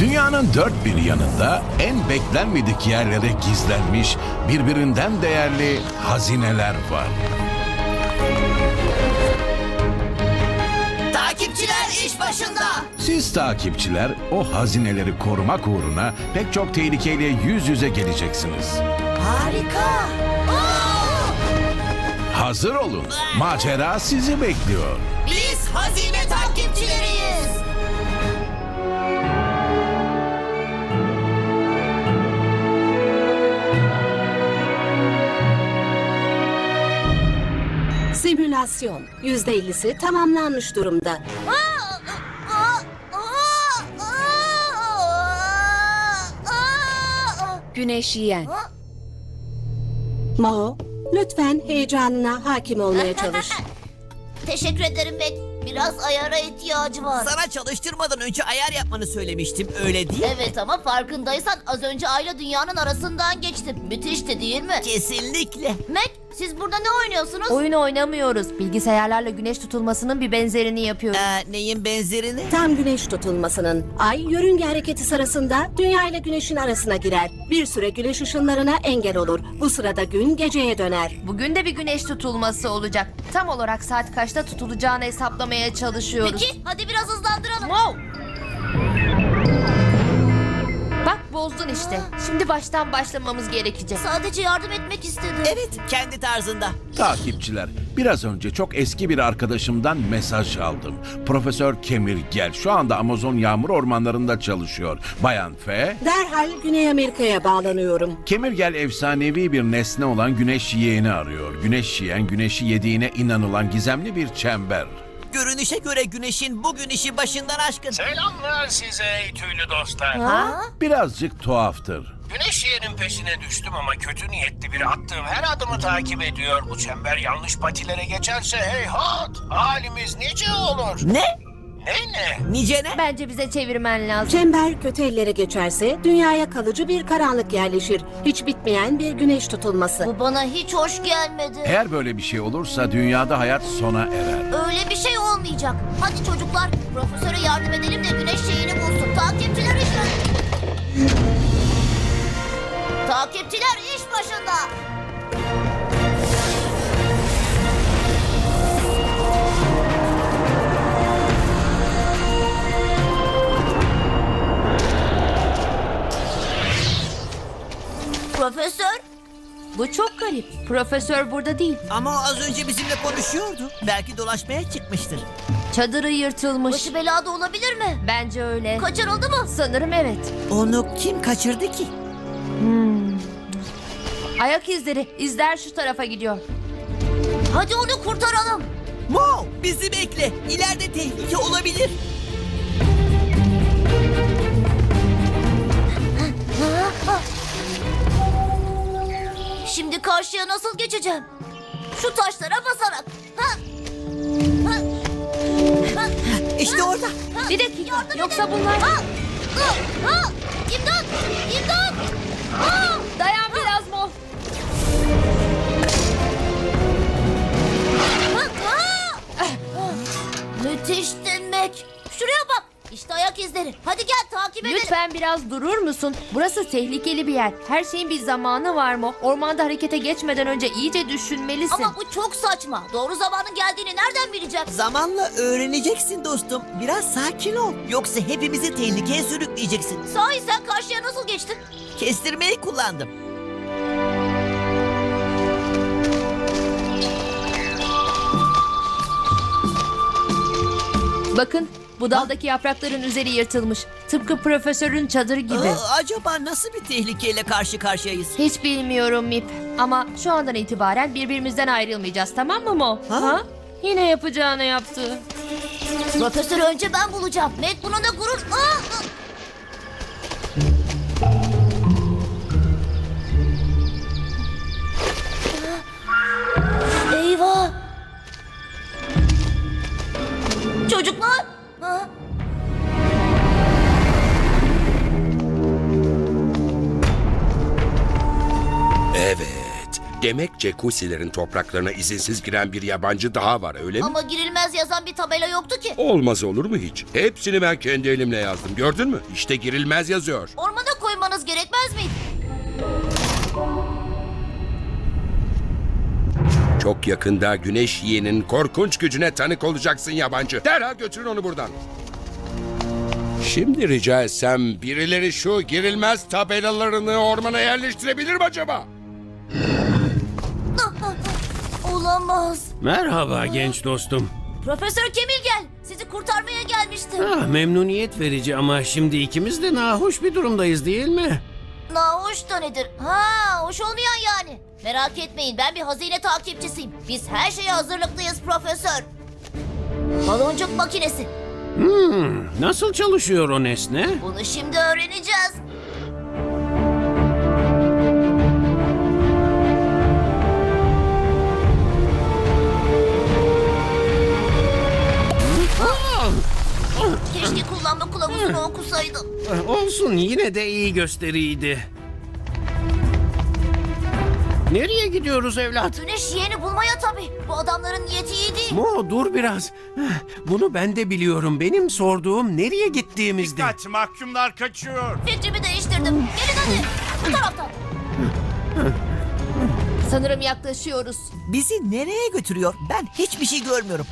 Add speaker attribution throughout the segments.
Speaker 1: Dünyanın dört bir yanında en beklenmedik yerlere gizlenmiş, birbirinden değerli hazineler var.
Speaker 2: Takipçiler iş başında.
Speaker 1: Siz takipçiler o hazineleri korumak uğruna pek çok tehlikeyle yüz yüze geleceksiniz.
Speaker 2: Harika.
Speaker 1: Hazır olun, macera sizi bekliyor.
Speaker 2: Biz hazine takipçileriyiz.
Speaker 3: Simülasyon %50'si tamamlanmış durumda.
Speaker 4: Güneş yiyen.
Speaker 3: Mao, lütfen heyecanına hakim olmaya çalış.
Speaker 2: Teşekkür ederim Mac. Biraz ayara ihtiyacı var.
Speaker 5: Sana çalıştırmadan önce ayar yapmanı söylemiştim, öyle değil mi?
Speaker 2: Evet ama farkındaysan az önce Ay'la dünyanın arasından geçtim. Müthişti değil mi?
Speaker 5: Kesinlikle.
Speaker 2: Mac, siz burada ne oynuyorsunuz?
Speaker 4: Oyun oynamıyoruz. Bilgisayarlarla güneş tutulmasının bir benzerini yapıyoruz.
Speaker 5: Neyin benzerini?
Speaker 3: Tam güneş tutulmasının ay yörünge hareketi sırasında Dünya ile güneşin arasına girer. Bir süre güneş ışınlarına engel olur. Bu sırada gün geceye döner.
Speaker 4: Bugün de bir güneş tutulması olacak. Tam olarak saat kaçta tutulacağını hesaplamaya çalışıyoruz.
Speaker 2: Peki, hadi biraz hızlandıralım.
Speaker 4: Wow! Bak bozdun işte. Şimdi baştan başlamamız gerekecek.
Speaker 2: Sadece yardım etmek istedim.
Speaker 5: Evet, kendi tarzında.
Speaker 1: Takipçiler, biraz önce çok eski bir arkadaşımdan mesaj aldım. Profesör Kemirgel şu anda Amazon yağmur ormanlarında çalışıyor. Bayan F,
Speaker 3: Derhal Güney Amerika'ya bağlanıyorum.
Speaker 1: Kemirgel efsanevi bir nesne olan güneş yiyen'i arıyor. Güneş yiyen, güneşi yediğine inanılan gizemli bir çember.
Speaker 5: Görünüşe göre güneşin bugün işi başından aşkın.
Speaker 6: Selamlar size ey tüylü dostlar.
Speaker 1: Birazcık tuhaftır.
Speaker 6: Güneş yeğenin peşine düştüm ama kötü niyetli biri attığım her adımı takip ediyor. Bu çember yanlış patilere geçerse heyhat, halimiz nice olur.
Speaker 5: Ne?
Speaker 6: Ne?
Speaker 5: Nice ne?
Speaker 4: Bence bize çevirmen lazım.
Speaker 3: Çember kötü ellere geçerse dünyaya kalıcı bir karanlık yerleşir. Hiç bitmeyen bir güneş tutulması.
Speaker 2: Bu bana hiç hoş gelmedi.
Speaker 1: Eğer böyle bir şey olursa dünyada hayat sona erer.
Speaker 2: Öyle bir şey olmayacak. Hadi çocuklar, profesöre yardım edelim de güneş şeyini bulsun. Takipçiler iş başında. Takipçiler iş başında. Profesör,
Speaker 4: Bu çok garip. Profesör burada değil.
Speaker 5: Ama o az önce bizimle konuşuyordu. Belki dolaşmaya çıkmıştır.
Speaker 4: Çadırı yırtılmış.
Speaker 2: başı belada olabilir mi?
Speaker 4: Bence öyle.
Speaker 2: Kaçırıldı mı?
Speaker 4: Sanırım evet.
Speaker 5: Onu kim kaçırdı ki?
Speaker 4: Ayak izleri. İzler şu tarafa gidiyor.
Speaker 2: Hadi onu kurtaralım.
Speaker 5: Mo, bizi bekle. İleride tehlike olabilir.
Speaker 2: Şimdi karşıya nasıl geçeceğim? Şu taşlara basarak. Ha? Ha? Ha?
Speaker 5: İşte orada.
Speaker 4: Bir dakika.
Speaker 2: Yardım
Speaker 4: Yoksa
Speaker 2: edin.
Speaker 4: bunlar...
Speaker 2: Ha? Ha? İmdat! İmdat! Ha?
Speaker 4: Dayan biraz Mo.
Speaker 2: Ha? Müthiş demek. Şuraya bak. İşte ayak izleri. Hadi gel takip edelim.
Speaker 4: Lütfen biraz durur musun? Burası tehlikeli bir yer. Her şeyin bir zamanı var mı? Ormanda harekete geçmeden önce iyice düşünmelisin.
Speaker 2: Ama bu çok saçma. Doğru zamanın geldiğini nereden bileceğim?
Speaker 5: Zamanla öğreneceksin dostum. Biraz sakin ol. Yoksa hepimizi tehlikeye sürükleyeceksin.
Speaker 2: Sahi sen karşıya nasıl geçtin?
Speaker 5: Kestirmeyi kullandım.
Speaker 4: Bakın bu daldaki yaprakların üzeri yırtılmış. Tıpkı profesörün çadırı gibi.
Speaker 5: Acaba nasıl bir tehlikeyle karşı karşıyayız?
Speaker 4: Hiç bilmiyorum Mip. Ama şu andan itibaren birbirimizden ayrılmayacağız, tamam mı Mo?
Speaker 5: Ha?
Speaker 4: Yine yapacağını yaptı.
Speaker 2: Profesörü önce ben bulacağım. Mac buna da gurur. Eyvah. Çocuklar. Ha?
Speaker 7: Evet, Demek Cekusilerin topraklarına izinsiz giren bir yabancı daha var, öyle mi?
Speaker 2: Ama girilmez yazan bir tabela yoktu ki.
Speaker 7: Olmaz olur mu hiç? Hepsini ben kendi elimle yazdım. Gördün mü? İşte girilmez yazıyor.
Speaker 2: Ormana koymanız gerekmez miydi?
Speaker 7: Çok yakında güneş yiyenin korkunç gücüne tanık olacaksın yabancı. Derhal götürün onu buradan. Şimdi rica etsem birileri şu girilmez tabelalarını ormana yerleştirebilir mi acaba?
Speaker 2: Olamaz.
Speaker 8: Merhaba genç dostum.
Speaker 2: Profesör Kemil gel. Sizi kurtarmaya gelmiştim.
Speaker 8: Memnuniyet verici ama şimdi ikimiz de nahoş bir durumdayız değil mi?
Speaker 2: Nahoş da nedir? Ha, hoş olmayan yani. Merak etmeyin, ben bir hazine takipçisiyim. Biz her şeye hazırlıklıyız profesör. Baloncuk makinesi.
Speaker 8: Nasıl çalışıyor o nesne?
Speaker 2: Bunu şimdi öğreneceğiz. Keşke kullanma kılavuzunu okusaydım.
Speaker 8: Olsun, yine de iyi gösteriydi. Nereye gidiyoruz evlat?
Speaker 2: Güneş yeğeni bulmaya tabii. Bu adamların niyeti iyi değil.
Speaker 8: Mo, dur biraz. Bunu ben de biliyorum. Benim sorduğum nereye gittiğimizdi.
Speaker 1: Dikkat, mahkumlar kaçıyor.
Speaker 2: Fikrimi değiştirdim. Gelin hadi. Bu taraftan.
Speaker 4: Sanırım yaklaşıyoruz.
Speaker 5: Bizi nereye götürüyor? Ben hiçbir şey görmüyorum.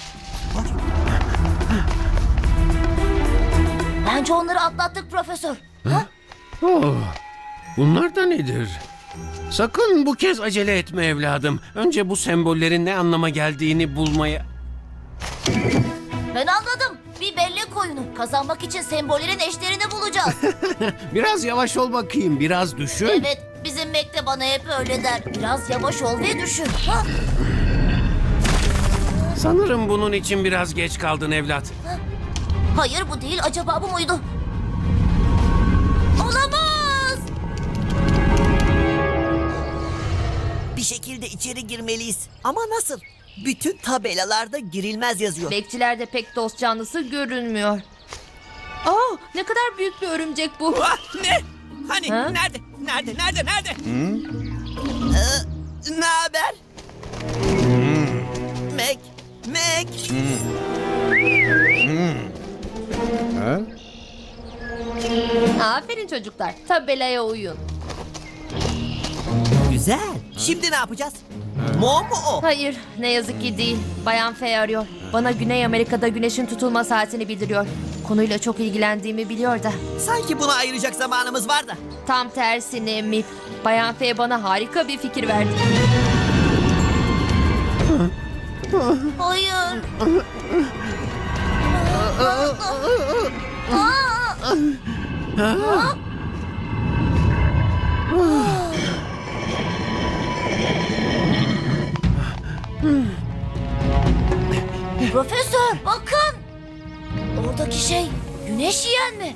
Speaker 2: Bence onları atlattık profesör. Ha?
Speaker 8: Oh, bunlar da nedir? Sakın bu kez acele etme evladım. Önce bu sembollerin ne anlama geldiğini bulmaya...
Speaker 2: Ben anladım. Bir bellek oyunu. Kazanmak için sembollerin eşlerini bulacağız.
Speaker 8: Biraz yavaş ol bakayım, biraz düşün.
Speaker 2: Evet, bizim Mac de bana hep öyle der. Biraz yavaş ol ve düşün. Ha?
Speaker 8: Sanırım bunun için biraz geç kaldın evlat.
Speaker 2: Hayır bu değil. Acaba bu muydu? Olamaz.
Speaker 5: Bir şekilde içeri girmeliyiz. Ama nasıl? Bütün tabelalarda girilmez yazıyor.
Speaker 4: Bekçilerde pek dost canlısı görünmüyor. Aa, ne kadar büyük bir örümcek bu.
Speaker 5: Ne? Hani?
Speaker 4: Ha?
Speaker 5: Nerede? Nerede? Ne haber? Mac.
Speaker 4: Aferin çocuklar. Tabelaya uyun.
Speaker 5: Güzel. Şimdi ne yapacağız? Mo mu o?
Speaker 4: Hayır, ne yazık ki değil. Bayan Fey arıyor. Bana Güney Amerika'da güneşin tutulma saatini bildiriyor. Konuyla çok ilgilendiğimi biliyor da.
Speaker 5: Sanki buna ayıracak zamanımız var da.
Speaker 4: Tam tersine Mip. Bayan Fey bana harika bir fikir verdi.
Speaker 2: Hayır. Profesör bakın. Oradaki şey güneş yiyen mi?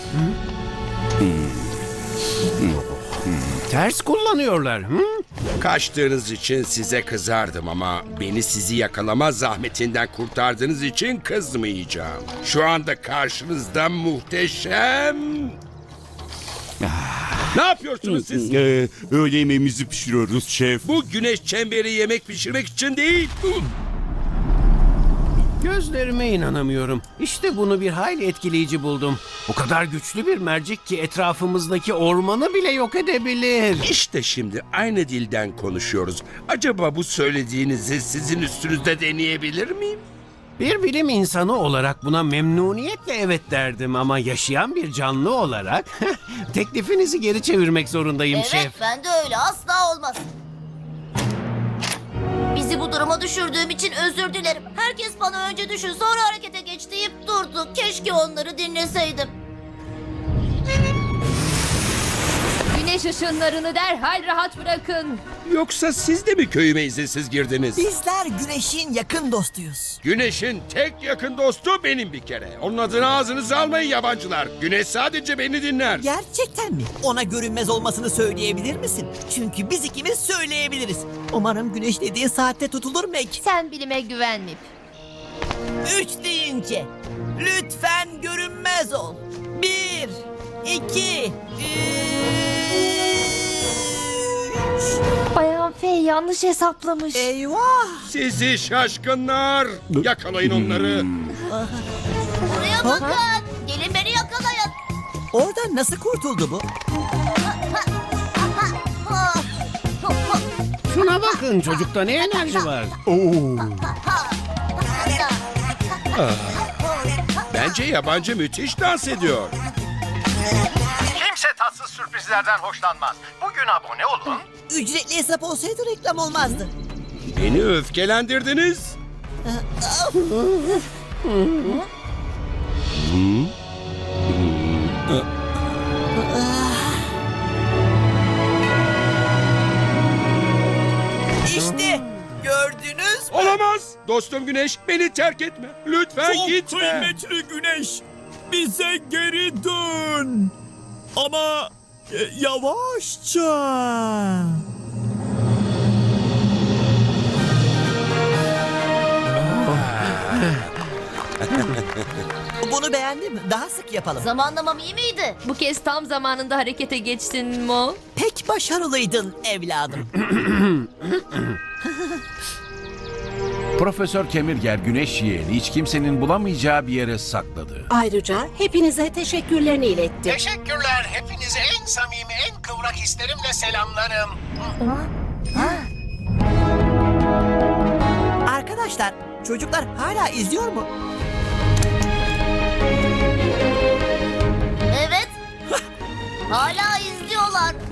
Speaker 8: Ters kullanıyorlar. Hı?
Speaker 7: Kaçtığınız için size kızardım ama beni sizi yakalama zahmetinden kurtardığınız için kızmayacağım. Şu anda karşınızda muhteşem... Ne yapıyorsunuz siz?
Speaker 9: Öğle yemeğimizi pişiriyoruz şef.
Speaker 7: Bu güneş çemberi yemek pişirmek için değil.
Speaker 8: Gözlerime inanamıyorum. İşte bunu bir hayli etkileyici buldum. O kadar güçlü bir mercek ki etrafımızdaki ormanı bile yok edebilir.
Speaker 7: İşte şimdi aynı dilden konuşuyoruz. Acaba bu söylediğinizi sizin üstünüzde deneyebilir miyim?
Speaker 8: Bir bilim insanı olarak buna memnuniyetle evet derdim ama yaşayan bir canlı olarak teklifinizi geri çevirmek zorundayım
Speaker 2: Evet
Speaker 8: şef.
Speaker 2: ben de öyle asla olmaz. Bizi bu duruma düşürdüğüm için özür dilerim. Herkes bana önce düşün sonra harekete geç deyip durdu. Keşke onları dinleseydim.
Speaker 4: Güneş ışınlarını derhal rahat bırakın.
Speaker 7: Yoksa siz de mi köyüme izinsiz girdiniz?
Speaker 5: Bizler güneşin yakın dostuyuz.
Speaker 7: Güneşin tek yakın dostu benim bir kere. Onun adını ağzınıza almayın yabancılar. Güneş sadece beni dinler.
Speaker 5: Gerçekten mi? Ona görünmez olmasını söyleyebilir misin? Çünkü biz ikimiz söyleyebiliriz. Umarım güneş dediğin saatte tutulur Mac.
Speaker 4: Sen bilime güven Mip.
Speaker 5: 3 deyince lütfen görünmez ol. 1, 2, 3.
Speaker 4: Bayan Fey yanlış hesaplamış.
Speaker 5: Eyvah!
Speaker 7: Sizi şaşkınlar. Yakalayın onları.
Speaker 2: Buraya bakın. Gelin beni yakalayın.
Speaker 5: Oradan nasıl kurtuldu bu?
Speaker 8: Şuna bakın, çocukta ne enerji var.
Speaker 7: Bence yabancı müthiş dans ediyor.
Speaker 10: Kimse tatsız sürprizlerden hoşlanmaz. Bugün abone olun.
Speaker 5: Ücretli hesap olsaydı reklam olmazdı.
Speaker 7: Beni öfkelendirdiniz.
Speaker 5: İşte gördünüz mü?
Speaker 7: Olamaz. Dostum Güneş, beni terk etme. Lütfen gitme.
Speaker 11: kıymetli güneş, bize geri dön. Ama yavaşça.
Speaker 5: Bunu beğendim. Daha sık yapalım.
Speaker 2: Zamanlamam iyi miydi?
Speaker 4: Bu kez tam zamanında harekete geçtin Mo.
Speaker 5: Pek başarılıydın evladım.
Speaker 1: Profesör Kemirger güneş yeğeni hiç kimsenin bulamayacağı bir yere sakladı.
Speaker 3: Ayrıca hepinize teşekkürlerini iletti.
Speaker 6: Teşekkürler. Hepinize en samimi, en kıvrak hislerimle selamlarım.
Speaker 5: Arkadaşlar, çocuklar hala izliyor mu?
Speaker 2: Evet. Hala izliyorlar.